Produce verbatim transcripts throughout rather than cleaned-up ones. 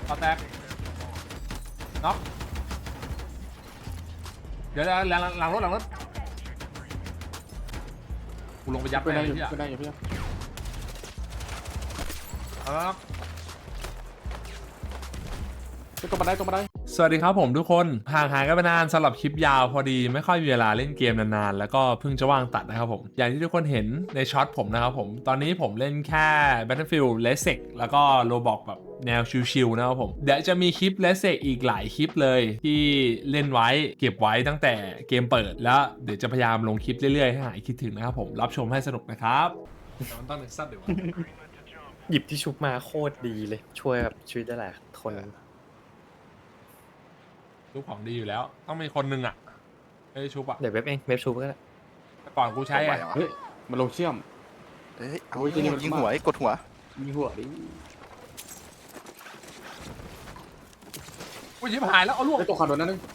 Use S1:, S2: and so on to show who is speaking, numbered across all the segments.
S1: ต่อแตกน็อกเดี๋ยวหลังหลังรถหลังรถกูลงไปยัด
S2: ไปได้อยู่
S1: ที่อ่ะ
S2: ไปได้อยู่พี่
S1: เอาแล้ว
S2: ไปตรงบันไดตรงบันได
S1: สวัสดีครับผมทุกคนห่างหายกันไปนานสำหรับคลิปยาวพอดีไม่ค่อยมีเวลาเล่นเกมนานๆแล้วก็เพิ่งจะว่างตัดนะครับผมอย่างที่ทุกคนเห็นในช็อตผมนะครับผมตอนนี้ผมเล่นแค่ Battlefield เลสเซกแล้วก็ Roblox แบบแนวชิลๆนะครับผมเดี๋ยวจะมีคลิปเลสเซกอีกหลายคลิปเลยที่เล่นไว้เก็บไว้ตั้งแต่เกมเปิดแล้วเดี๋ยวจะพยายามลงคลิปเรื่อยๆให้หายคิดถึงนะครับผมรับชมให้สนุกนะครับมันต้องเน็กซัสเดี๋ยว
S3: หยิบที่ชุบมาโคตรดีเลยช่วยแบบชีวิตได้หลายคน
S1: ชุบของดีอยู่แล้วต้องมีคนหนึ่งอ่ะไอ้ชุบอ่ะ
S3: เดี๋ยวเว็บเองเว็บชุบก็ได้
S1: แต่ก่อนกูใช้ไง
S2: เฮ้ยมันลงเชื่อม
S4: เฮ้ยเอา
S2: โอ้ยที่นี่มัน
S4: ยิงหัวไอ้กดหัว
S2: มีหัวดิ
S1: กูชิบหายแล้วเอาลูก
S2: ไอ้ตัวขาดโดนนั่นนึง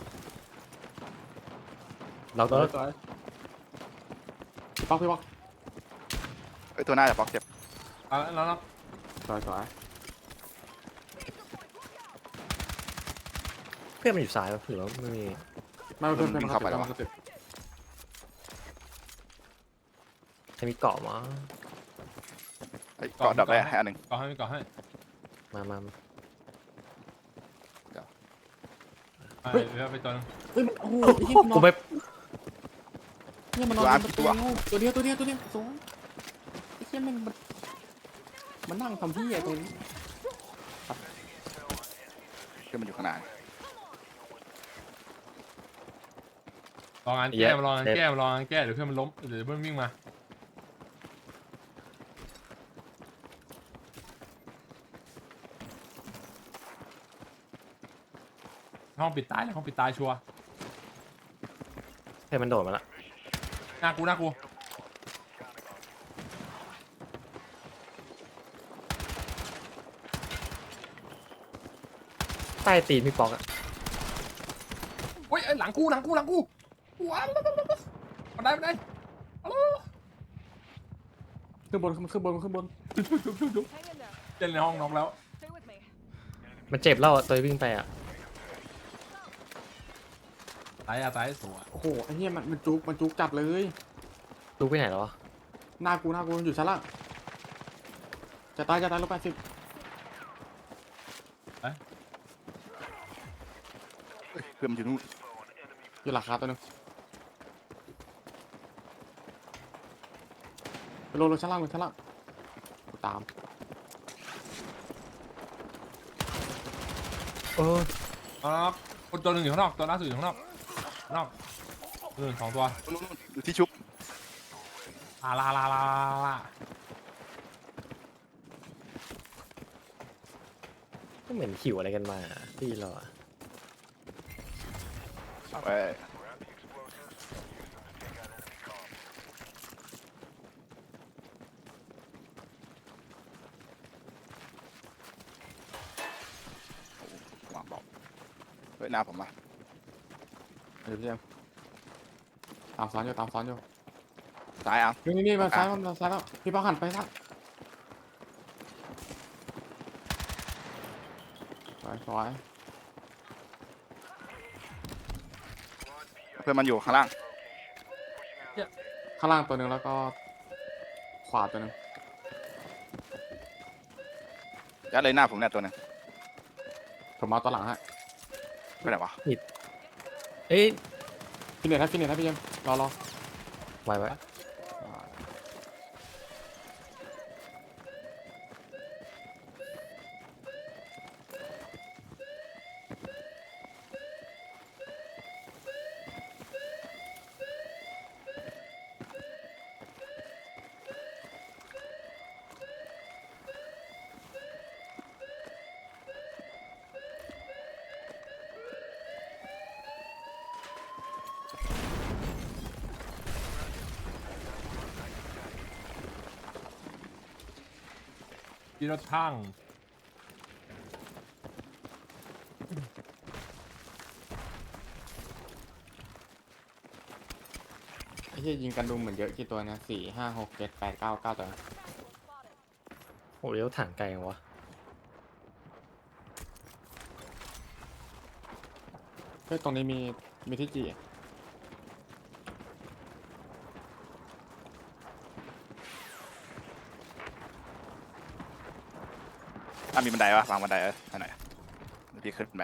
S3: เราก็
S2: ตัวพี่ป๊อกพี่ป๊อก
S4: ไอ้ตัวหน้าจะบล็อกเจ็บ
S1: เอาแล้วแล้ว
S2: สวยสวย
S3: เพื่อนมันอยู่ซ้ายป่ะหรือว่าไม่มี
S2: ไม่เพื่อนเพื่อนเข้าไปแล้ว
S3: ใครมีเกาะมั้ง
S4: ไอ้เกาะดับได้ให้อันหนึ่ง
S1: ก่อให้ก่อให้
S3: มามามา
S1: เฮ้ยไปตัวนึง
S2: เฮ้ยมันโอ้โห
S3: กูไป
S2: เนี่ยมันนอนตัวตัวเดียวตัวเดียวตัวเดียวสองไอ้เชี่ยมันมันนั่งทำที่ไอ้ตรงนี้
S4: คือมันอยู่ข้างหน้า
S1: ลองงานแก้มาลองงานแก้มาลองงานแก้เดี๋ยวเพื่อนมันล้มเดี๋ยวเพื่อนวิ่งมาห้องปิดตายเลยห้องปิดตายชัวร์
S3: เพื่อนมันโดดมาละ
S1: หน้ากูหน้ากู
S3: ใต้ตีนพี่ป๊อกอะ
S1: เฮ้ยหลังกูหลังกูหลังกูว้าวมาได้มาได้ฮัลโหล
S2: ขึ้นบนขึ้นบนขึ้นบน
S1: ชุบชุบชุบชุบเล่นในห้องน้องแล้ว
S5: Stay with me.
S3: มันเจ็บแล้วอะตัววิ่งไปอะ
S1: ตายอะตายสวย
S2: โอ้โหไอ้เหี้ยมันมันจุกมันจุกจัดเลย
S3: รู้ไปไหนแล้ววะ
S2: หน้ากูหน้ากูอยู่ชั้นล่างจะตายจะตายลบแปดสิบ
S4: เพื่อนมันอยู่นู่น
S2: อยู่หลังคาตัวนึงไปลงลงชั้นล่างลงชั้นล่างกูตาม
S3: โอ้
S1: อ๋อคนตัวหนึ่งอยู่ข้างนอกตัวล่าสุดอยู่ข้างนอกข้างนอกเออสองตัว
S4: นู่นนู่นอยู่ที่ชุบ
S1: ลาลาลาลาลา
S3: ก็เหมือนขิวอะไรกันมาที่เราอะ
S4: ไปวางบอกเฮ้ยหน้าผมมา
S2: เดี๋ยวพี่เอ็มตามซ้อนอยู่ตามซ้อนอยู่
S4: ซ้ายเอา
S2: นี่นี่นี่มาซ้ายมาซ้ายแล้วพี่ป้าหันไปซ้ายสวยสวย
S4: เพื่อนมันอยู่ข้างล่าง
S2: ข้างล่างตัวหนึ่งแล้วก็ขวาตัวหนึ่ง
S4: ยัดเลยหน้าผมเนี่ยตัวหนึง
S2: ผมมาตัวหลังฮะ
S4: ไปไหนวะ
S3: เอ้ย
S2: ฟินเนตให้ฟินเนตให้พี่เอ็มรอรอ
S3: ไว้ไว้
S1: ที่รถช่าง
S2: ไอ้เหี้ยยิงกันดุมเหมือนเยอะกี่ตัวนะสี่ห้าหกเจ็ดแปดเก้าเก้าตัว
S3: โอ้เลี้ยวถังไกลจังวะ
S2: เฮ้ยตรงนี้มีมีที่จี
S4: อ่ะมีบันไดปะวางบันไดเออให้หน่อยเดี๋ยวพี่ขึ้นไป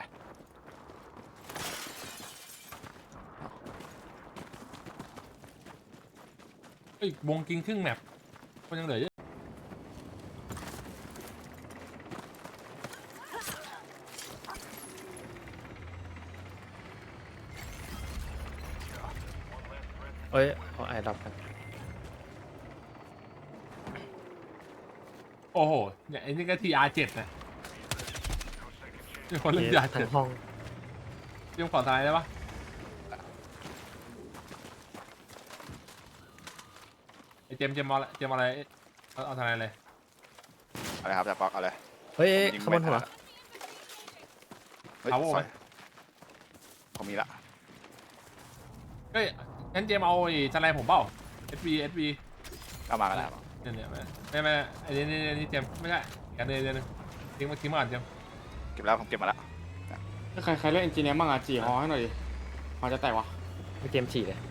S1: เอ้ยวงกินครึ่งแมปมันยังเหลือเยอะ
S3: เอ้ยเอาไอ้ดับกัน
S1: โอ้โหเนี่ยไอ้นี่ก็ทีอาร์เจ็ดนะมีคนเล่นทีอาร์
S3: ทั้
S1: เจ็ด
S3: งห้อง
S1: เตรียมขอทายได้ปะไอเจมส์เจมส์เอาละเจมส์เอาอะไรเอาเอาทายเลย
S4: เอาเลยครับจะปอกเอาเลย
S3: เฮ้ย
S4: ยิง
S3: ขบวนหัว
S4: เฮ้ย
S1: เอาโว้
S4: ส
S1: ไหม
S4: วยผมมีละ
S1: เฮ้ยงั้นเจมส์เอาไอ้ทนายผมเปล่า เอส บี เอส บี
S4: เอามากันแล้ว
S1: เนี่ยเนี่ยไม่ไม่ไม่ไอ้นี่นี่นี่เจมส์ไม่ใช่กันเลยเดี๋ยวนึงทิ้งมาทิ้งมาก่อนเจมส์
S4: เก็บแล้วผมเก็บมาแล้ว
S2: ใครใครเล่นเอนจิเนียร์บ้างอ่ะจีฮอให้หน่อยดิฮอจะแตกวะ
S3: ไม่เกมฉี่เลย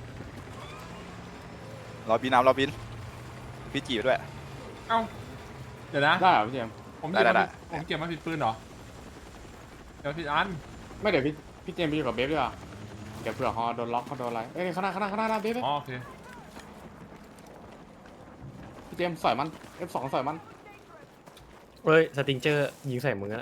S4: รอบินเอารอบินพี่จีบด้วย
S1: เอ้าเดี๋ยวนะ
S2: ได้เหรอพี่เจมส์
S1: ผมเก็บ
S4: ได้
S1: มา
S4: ได้
S1: ผิดผมเก็บมาผิดปืนเหรอเก็บมาผิดอัน
S2: ไม่เดี๋ยวพี่พี่เจมส์ไปอยู่กับเบฟดีกว่าเดี๋ยวเผื่อฮอโดนล็อกเขาโดนอะไรเอ้ยข้างหน้าข้างหน้าข้างหน้าหน้าเบฟเบฟ
S1: อ๋อโอเค
S2: พี่เจมส์สอยมัน เอฟ สอง สอยมัน
S3: เฮ้ยสติงเจอร์ยิงใส่มึงอะ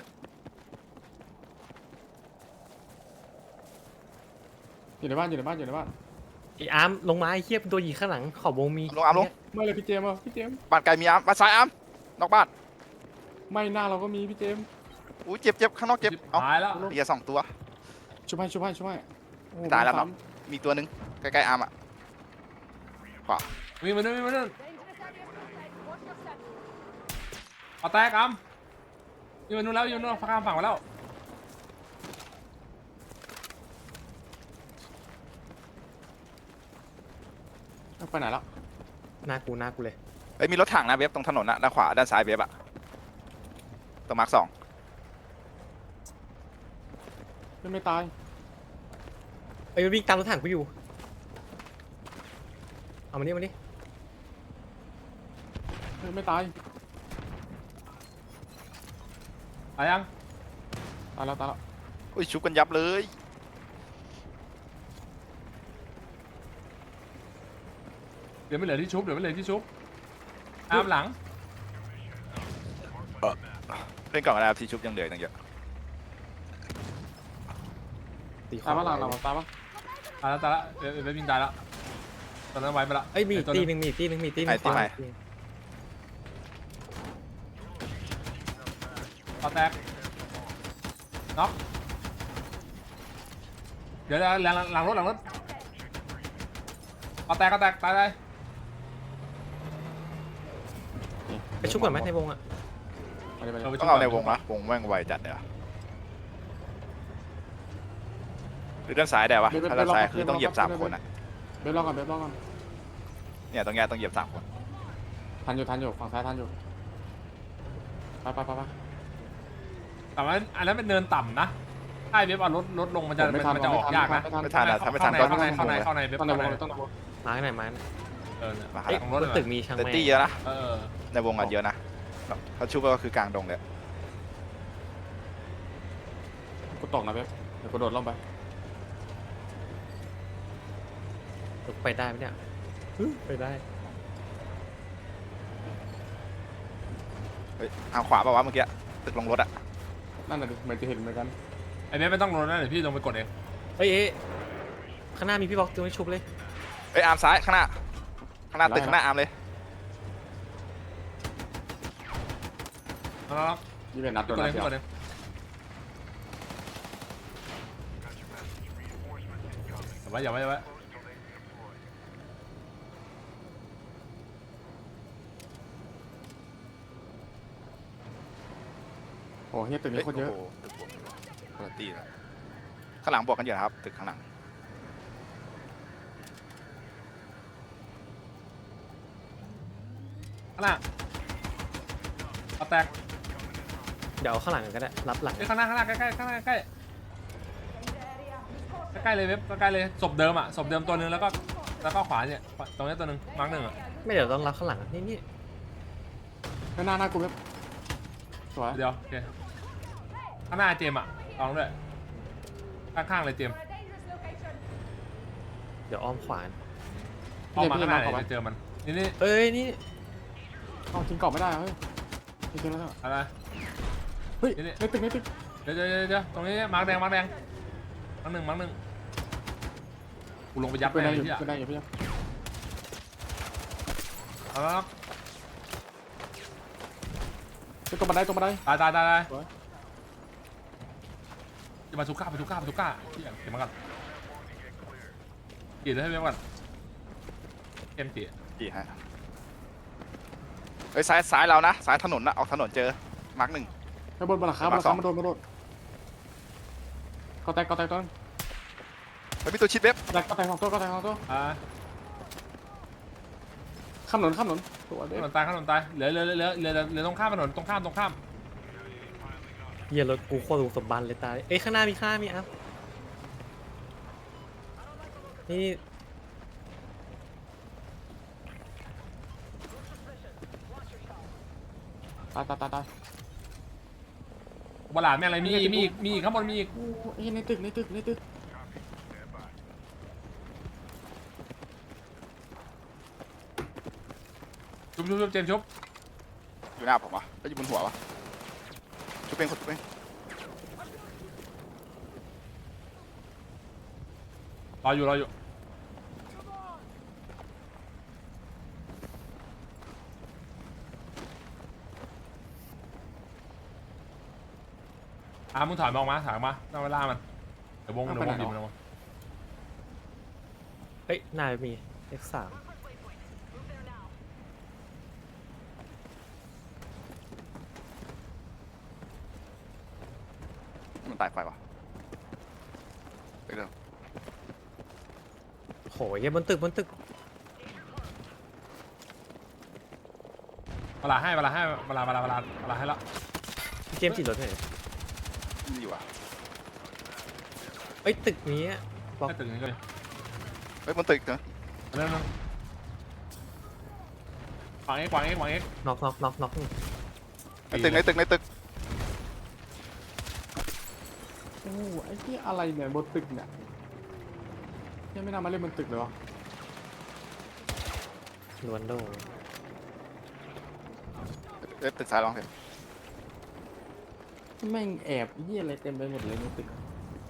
S2: อยู่ในบ้านอยู่ในบ้านอยู่ในบ้าน
S3: ไอ้อาร์มลงมาไอ้เหี้ยเป็นตัวยิงข้างหลังขอบวงมี
S4: ลงอาร์มลง
S2: ไม่เลยพี่เจมส์อ่ะพี่เจมส์
S4: บ้านไกลมีอาร์มบ้านซ้ายอาร์มนอกบ้าน
S2: ไม่หน้าเราก็มีพี่เจมส์
S4: อุ้ยเจ็บเจ็บข้างนอกเจ็บเอา
S1: ตายแล้ว
S4: เบียร์สองตัว
S2: ช่วยให้ช่วยให้ช่วยให้โอ้โห
S4: ตายแล้ว
S2: ซ้
S4: เนาะ มีตัวหนึ่งใกล้ๆอาร์มอ่ะขวา
S1: มีมาด้วยมีมาด้วยเอาแตกอัมอยู่นู่นแล้วอยู่นู่นข้ามฝั่งมาแล้ว
S2: ำไปไหนแล้ว
S3: หน้ากูหน้ากูเลย
S4: เอ้ยมีรถถังนะเว็บตรงถนนนะด้านขวาด้านซ้ายเว็บอะตรงมาร์คสอง
S2: ยังไม่ตาย
S3: เอ้ยมันวิ่งตามรถถังกูอยู่เอามานี่มานี่
S2: ยังไม่ตาย
S1: ตายยัง
S2: ตายแล้วตายแล้ว
S4: อุ้ยชุบกันยับเลย
S1: เดี๋ยวไม่เหลือที่ชุบเดี๋ยวไม่เหลือที่ชุบอาร์มหลัง
S4: เล่นก่อนก็ได้ครับที่ชุบยังเหลือตั้งเยอะ
S3: ตีข
S2: ตายว
S3: า
S2: ปะหลังหลังตายปะ
S1: ตายแล้วตายแล้วเดี๋ยวไปวิ่งตายแล้วตอนนั้นไว้ไปละ
S3: เอ้ยมีอีก
S1: ตัว
S3: ตี
S1: นึง
S3: หนึ่งมีอีกตีหนึ่งมีอีกตีหนึ่งขวาอีกตีหนึ่ง
S1: เอาแตกน็อกเดี๋ยวหลังหลังรถหลังรถเอาแตกเอาแตกตายเลย
S3: ไปชุบก่อนไหมในวงอะ
S2: ไปเลยไปเลย
S1: ไป
S4: ต้
S1: ชุ
S4: อบ งเอา
S1: ก่
S4: ใน
S1: น
S4: วงนะวงแม่งไวจัดเลยอะหรือด้านซ้ายได้ปะถ้าด้านซ้ายคือต้องเหยียบสามคนอะ
S2: เบฟรอก่อนเบฟรอก่อน
S4: เนี่ยตรงเนี้ยต้องเหยียบสามคน
S2: ทันอยู่ทันอยู่ฝั่งซ้ายทันอยู่ไปไปไปไป
S1: แต่ว่าอันนั้นเป็นเนินต่ำนะถ้าไอ้เว็บเอารถรถลงมันจะ
S2: ผมไม่ทัน
S1: มันจะออกยากนะ
S2: ไม่ทัน
S4: ไม่ทันอะถ้าไม่ทัน
S1: เข้า
S4: ก็
S1: ใน
S4: ต้อง
S1: เข้าใน
S4: งง
S1: เข้าใน
S4: เลย
S1: เข้าในเว็บ
S2: ต้องใน
S1: เข้าว ใน
S2: งต้องในวง
S3: มาร์กไหนมาร์กไหน
S1: เออเนี่ย
S4: มา
S3: เอ้ย
S1: ตรงรถ
S3: บ
S1: เล
S3: น
S1: ย
S3: ตึกมีช่าง
S4: แต่
S3: แม่
S4: ตี้เยอะนะ
S1: เออ
S4: ในวงอะเยอะนะเขาชุบก็คือกลางดงเลย
S2: กูตกนะเบฟเดี๋ยวกูโดดลงไป
S3: ไปได้ไหมเนี่ยไปได้
S4: เฮ้ยทางขวาป่าวะเมื่อกี้ตึกลงรถอะ
S2: นั่นน่ะดิเหมือนจะเห็นเหมือนกัน
S1: ไอ้เว็บไม่ต้องลงนะเดี๋ยวพี่ลงไปกดเอง
S3: เอ้ยเอ้ยข้างหน้ามีพี่บอกตัวไม่ชุบเลย
S4: เอ้ยอาร์มซ้ายข้างหน้าข้างหน้าตึกข้างหน้าอาร์มเลย
S1: เอาแล้ว
S2: ยี่เป็นนัด
S1: ก
S2: โด
S1: ด
S2: นนั
S1: เอ
S2: ด
S1: ง
S2: เดียว
S1: กดเอง อย่าไว้อย่าไว้อย่าไว้
S2: โอ้เฮียตึกนี้โคตรเยอะ
S4: โโหตึกบวกคนละตีเลยข้างหลังบวกกันเยอะครับตึกข้างหลัง
S1: ข้างหน้าเอาแตก
S3: เดี๋ยวเอาข้างหลังกันก็ได้รับหลัง
S1: เอ้ยข้างหน้าข้างหน้าใกล้ใกล้ข้างหน้าใกล้ใกล้ๆเลยเว็บใกล้ๆเลยศพเดิมอ่ะศพเดิมตัวหนึงแล้วก็แล้วก็ขวาเนี่ยตรงนี้ตัวหนึงมาร์กหนึ่งอ่ะ
S3: ไม่เดี๋ยวต้องรับข้างหลังนี่นี่
S2: หน้าหน้ากูแบบสวย
S1: เดี๋ยวโอเคข้างหน้าเจมส์อ่ะลองด้วยข้างๆเลยเจมส์
S3: เดี๋ยวอ้อมขวาน
S1: ออกมาข้างหน้าเลยจะเจอมันนี่นี่
S3: เอ้ยนี่
S2: เอาทิ้งกรอบไม่ได้เฮ้ยทิ้งแล้ว
S1: อะไร
S2: เฮ้ยในตึกในตึก
S1: เดี๋ยวเดี๋ยวเดี๋ยวตรงนี้มาร์กแดงมาร์กแดงมาร์กหนึ่งมาร์กหนึ่งกูลงไปยัด
S2: ไป
S1: ไป
S2: ได้
S1: เลย
S2: อยู่
S1: ที่อ่ะ
S2: ไปได้อยู่พี่
S1: เอาแล้ว
S2: ตรงบันไดตรงบันได
S1: ตายตายตายตาย
S2: สวย
S1: จะมาทุก้ามาทุก้ามาทุก้าที่อ่ะเก็บมาก่อนกี่เลยให้เว็บก่อนเกมตี
S4: กี่ฮะเฮ้ยซ้ายซ้ายเรานะซ้ายถนนนะออกถนนเจอมาร์กหนึ่ง
S2: ไปบนบนหลังคาบนหลังคามาโดนมาโดนก็แตกก็แตกต้น
S4: เฮ้ยมีตัวชิดเว็บ
S2: ก็แตกก็แตกของตัวก็แตกของตัว
S1: อ่า
S2: ข้ามถนนข้ามถนนตัวเด็
S1: ถนนตายถนนตายเหลือเหลือเหลือเหลือเหลือเหลือตรงข้ามถนนตรงข้ามตรงข้าม
S3: เหี้ยรถกูโคตรสมบันเลยตายเอ้ยข้างหน้ามีข้างหน้ามีอ่ะนี่
S2: ตายตายตายตาย
S1: บลาดแม่งอะไรมีอีกมีอีกมีอีกข้างบนมีอีก
S2: โอ้ยในตึกในตึกในตึก
S1: ชุบชุบชุบเจมส์ชุบ
S4: อยู่หน้าผมวะแล้วอยู่บนหัววะชุบเป็นคนชุบเป็น
S1: รออยู่รออยู่อ่ะมึงถอยมาออกมาถอยมาต้องเวลามันเดี๋ยววงเดี๋ยววงหยิบมันวง
S3: เอ้ยหน้ามี เอ็กซ์ สาม
S4: มันตายไฟวะเดี๋ยว
S3: โหเหี้ยบนตึกบนตึก
S1: เวลาให้เวลาให้เวลาเวลาเวลาเวลาให้ละ
S3: เกมจีรถไหนอย
S4: มีอยู่อ่ะ
S3: เอ้ยตึกนี้อะบล็อก
S1: ให้ตึกนี้ก็เลย
S4: เฮ้ยบนตึกเนอะ
S1: เรื่องนึงขวางเอ็กขวางเอ็กขวางเอ็ก
S3: น็อกน็อกน็อกน็อก
S4: ในตึกในตึกในตึก
S2: โอ้ไอ้ที่อะไรเนี่ยบนตึกเนี่ยยังไม่น่ามาเล่นบนตึกเลยวะ
S3: ลวนโด
S4: เว็บตึกซ้ายลองเถอะ
S2: แม่งแอบยี่อะไรเต็มไปหมดเลยในตึก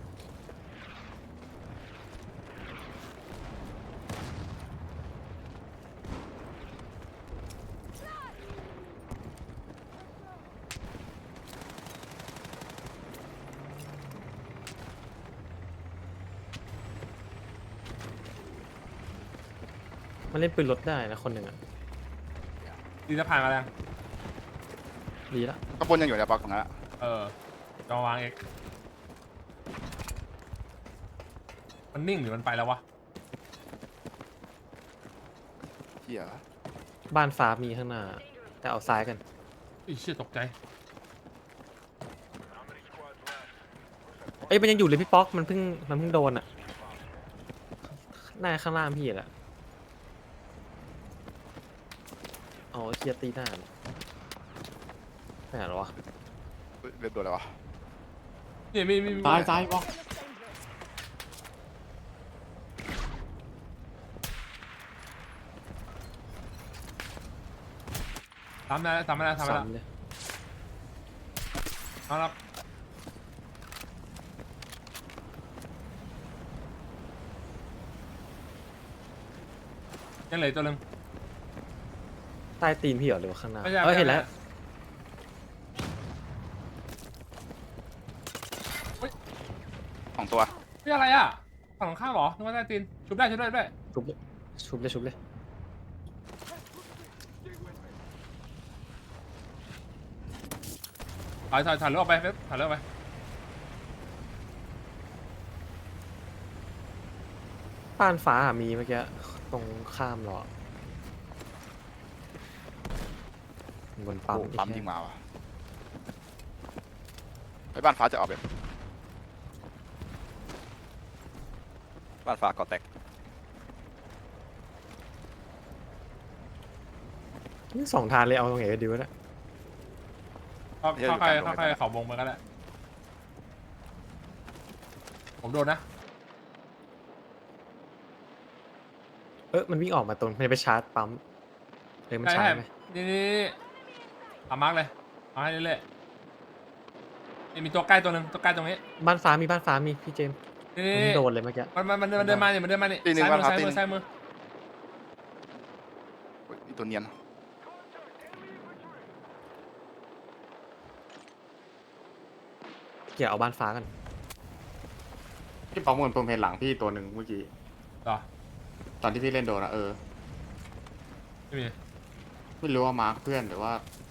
S3: มันเล่นปืนรถได้นะคนหนึ่งอ่ะ
S1: ดีจะผ่านมาแล้ว
S3: ดีละ
S4: ข้างบนยังอยู่ในบล็อกตรงนั้นอะ
S1: เออจะมาวางเอ็กมันนิ่งหรือมันไปแล้ววะ
S4: เหี้ย
S3: บ้านฟ้ามีข้างหน้า แต่เอาซ้ายกัน
S1: อีเชี่ยตกใจ
S3: เอ้ยมันยังอยู่เลยพี่ป๊อกมันเพิ่งมันเพิ่งโดนอ่ะหน้าข้างล่างพี่แหละอ๋อเคลียร์ตีหน้าไหนหรอวะ
S4: เฮ้ยเว็บโดนอะไรวะ
S1: นี่มีมีมี
S2: ตายตายวะ
S1: ทำได้แล้วทำได้แล้วทำได้แล้ว
S3: ซ้ำเลย
S1: เอาละยังเหลือตัวหนึ่ง
S3: ใต้ตีนพี่เหรอหรือว่าข้างหน้า
S1: ไม่ใช่
S3: เออเห็นแล้ว
S4: สองตัว
S1: นี่อะไรอ่ะฝั่งตรงข้ามเหรอนึกว่าใต้ตีนชุบได้ชุบได้ชุบได้
S3: ชุบเลยชุบเลยชุบเลย
S1: ถอยถอยถอยเรือออกไปเว็บถอยเรือออกไป
S3: บ้านฟ้าอะมีเมื่อกี้ตรงข้ามเหรอ บนปั๊ม
S4: โอ้ปั๊ม
S3: อีก
S4: ยิง
S3: แค่
S4: มาว่ะไปบ้านฟ้าจะออกแบบบ้านฟ้าก่อแตก
S3: นี่สองทางเลยเอาตรงไหนก็ดีวะเนี่ย
S1: เข้าเข้าใครเข้าใครเขาวงไปก็ได้ผมโดนนะ
S3: เออมันวิ่งออกมาตรงมันจะไปชาร์จปั๊มเลยมัน
S1: ใช่
S3: ชา
S1: ใช่
S3: ร์จไหม
S1: นี่นี่เอามาร์กเลยเอาให้เรื่อยๆนี่มีตัวใกล้ตัวหนึ่งตัวใกล้ตรงนี้
S3: บ้านฟ้ามีบ้านฟ้ามีพี่เจมส์
S1: นี่
S3: มัน
S1: นี่
S3: เพิ่งโดนเลยเมื่อกี้
S1: มันมันมันมันเดินมาเนี่ยมันเดินมาเนี่ย
S4: ตีหนึ่ง
S1: ซ้ายมือ
S4: มาครับ
S1: ซ้ายมือ
S4: ตีหนึ่ง
S1: ซ้ายมือ
S4: อุ๊ยอีตัวเนียน
S3: เกี่ยวเอาบ้านฟ้ากัน
S2: พี่ป๊อกเหมือนผมเห็นหลังพี่ตัวหนึ่งเมื่อกี้
S1: ต่อ
S2: ตอนที่พี่เล่นโดนอะเออ
S1: ไม่มี
S2: ไม่รู้ว่ามาร์คเพื่อนหรือว่า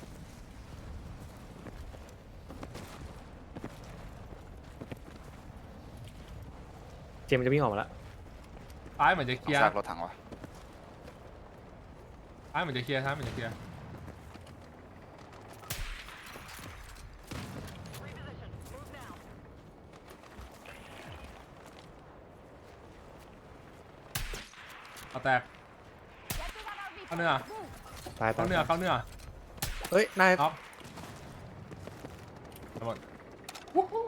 S3: เจมส์มันจะวิ่งออกมาแล้ว
S1: ซ้ายเหมือนจะเคลียร์
S4: ซากรถถังวะ
S1: ซ้ายเหมือนจะเคลียร์ซ้ายเหมือนจะเคลียร์เอาแตกเข้าเนื้อ
S3: ตายตา
S1: เข้าย เนื้อเข้าเนื้อ
S3: เอ้ยนาย
S1: เอาทั้งหมดวู้ฮู้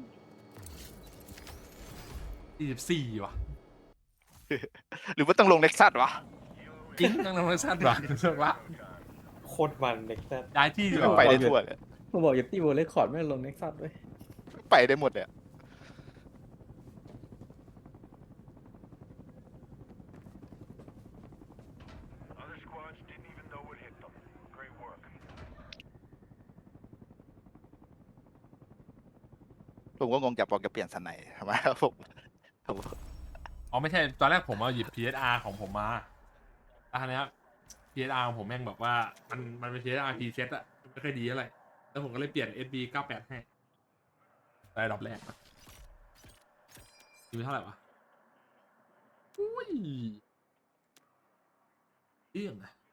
S1: สี่สิบสี่ว่ะ
S4: หรือว่าต้องลงเน็กซัสวะ
S1: จริงนั่งทำไมสั้นว่ะเลิกละ
S3: โคตรมันเด็กแต่
S1: ย้ายที่ดีก
S4: ไป
S1: ว่า
S4: ได้ทั่วเลย
S5: ผมบอกอย่าตีโบเลคคอร์ดไม่ลงเน็กซัสด้วย
S4: ไปได้หมดเลย ผมก็งงจะบอกจะเปลี่ยนสันไหนทำไมครับผมผม
S1: อ๋อไม่ใช่ตอนแรกผมเอาหยิบ พี เอส อาร์ ของผมมาแล้วทีเนี้ย พี เอส อาร์ ของผมแม่งบอกว่ามันมันเป็น พี เอส อาร์ preset อะไม่ค่อยดีเท่าไหร่แล้วผมก็เลยเปลี่ยน เอส บี เก้าแปดให้ได้ดอกแรกอยู่เท่าไหร่วะอุ้ยเรื่องอะ